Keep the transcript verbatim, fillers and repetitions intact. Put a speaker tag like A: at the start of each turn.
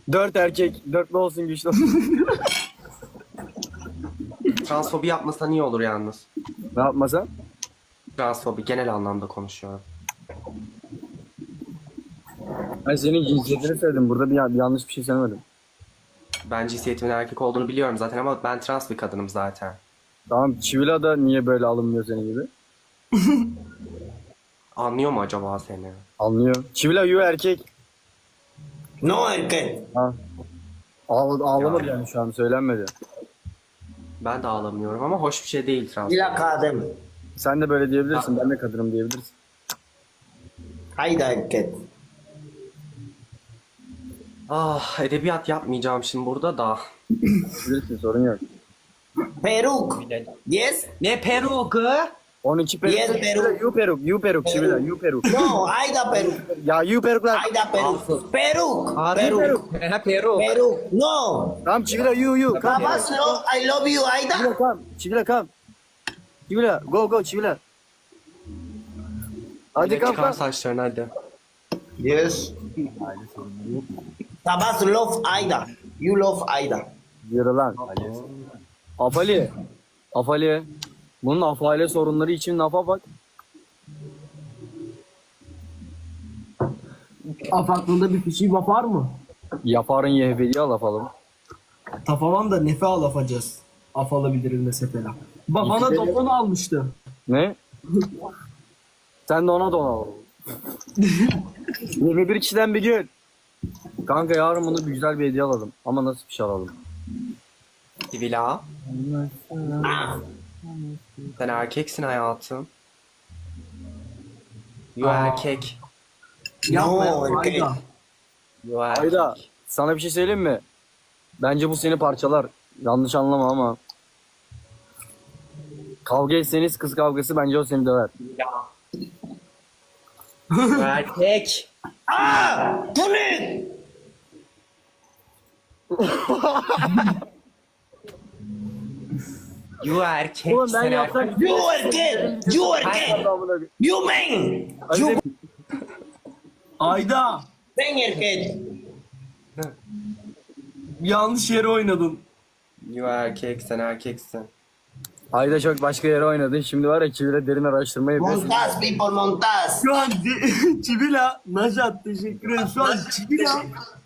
A: Dört erkek. Dörtlü olsun, güçlü olsun.
B: Transfobi yapmasan iyi olur yalnız.
A: Ne yapmasam?
B: Transfobi genel anlamda konuşuyorum.
A: Ben senin cinsiyetini söyledim. Burada bir, bir yanlış bir şey söylemedim.
B: Ben cinsiyetimin erkek olduğunu biliyorum zaten ama ben trans bir kadınım zaten.
A: Tamam, Çivila da niye böyle alınmıyor senin gibi?
B: Anlıyor mu acaba seni?
A: Anlıyor. Çivila you erkek.
C: No erkek.
A: Ha. Ağla, ağlamadı
B: Ya.
A: yani şu an, söylenmedi.
B: Ben de ağlamıyorum ama hoş bir şey değil trans.
C: Bila kadın.
A: Sen de böyle diyebilirsin. Ben de kadınım diyebilirsin.
C: Hayda erkek.
B: Ah, edebiyat yapmayacağım şimdi burada da.
A: Bilirsin, sorun yok.
C: Peruk. Yes?
B: Ne peruk?
A: on iki peruk.
C: Yes, peruk.
A: You peruk. You peruk. Çivila you peruk.
C: No, hayda peruk.
A: Ya you peruklar.
C: Hayda peruk. Peruk.
B: Harbi
C: Peruk.
B: Ha peruk.
C: Peruk. No.
A: Tamam Çivila you you. Come.
C: Babas love, I love you, Hayda.
A: Çivila come. Çivila come. Çivila go go Çivila. Hadi
B: Hadi
A: come
B: çıkar
A: come.
B: saçlarını hadi.
C: Yes. Babas love Hayda. You love Hayda.
A: Yürü lan. Afali. Afali. Bunun afale sorunları için lafa bak.
D: Af aklında bir fişi var mı?
A: Yaparın yehvediye laf alalım.
D: Tafaman da nefe al afacağız. Af alabiliriz mesela. Bak bana dopon almıştı.
A: Ne? Sen de ona don al. yirmi bir kişiden bir gün. Kanka yarın bunu bir güzel bir hediye alalım. Ama nasıl bir şey alalım?
B: Sivila. Sen erkeksin hayatım. You erkek.
D: Yapma
C: No
D: yapma
C: erkek.
D: Ayda.
B: You erkek.
A: Ayda sana bir şey söyleyeyim mi? Bence bu seni parçalar. Yanlış anlama ama. Kavga etseniz kız kavgası, bence o seni döver.
B: You erkek.
C: Ah! Bu ne?
B: You erkek.
A: Oğlum ben
B: sen
A: yapsam-
B: erkek.
C: You erkek. You erkek. You man. You
D: Ayda
C: man erkek.
D: yanlış yere oynadın.
B: You erkek. Sen erkeksin.
A: Ayda çok başka yere oynadın. Şimdi var ya, Çivile derin araştırma yapıyorsun.
C: Montas people montas.
D: Şu an Çivila, Najat teşekkür ederim. Şu an Çivila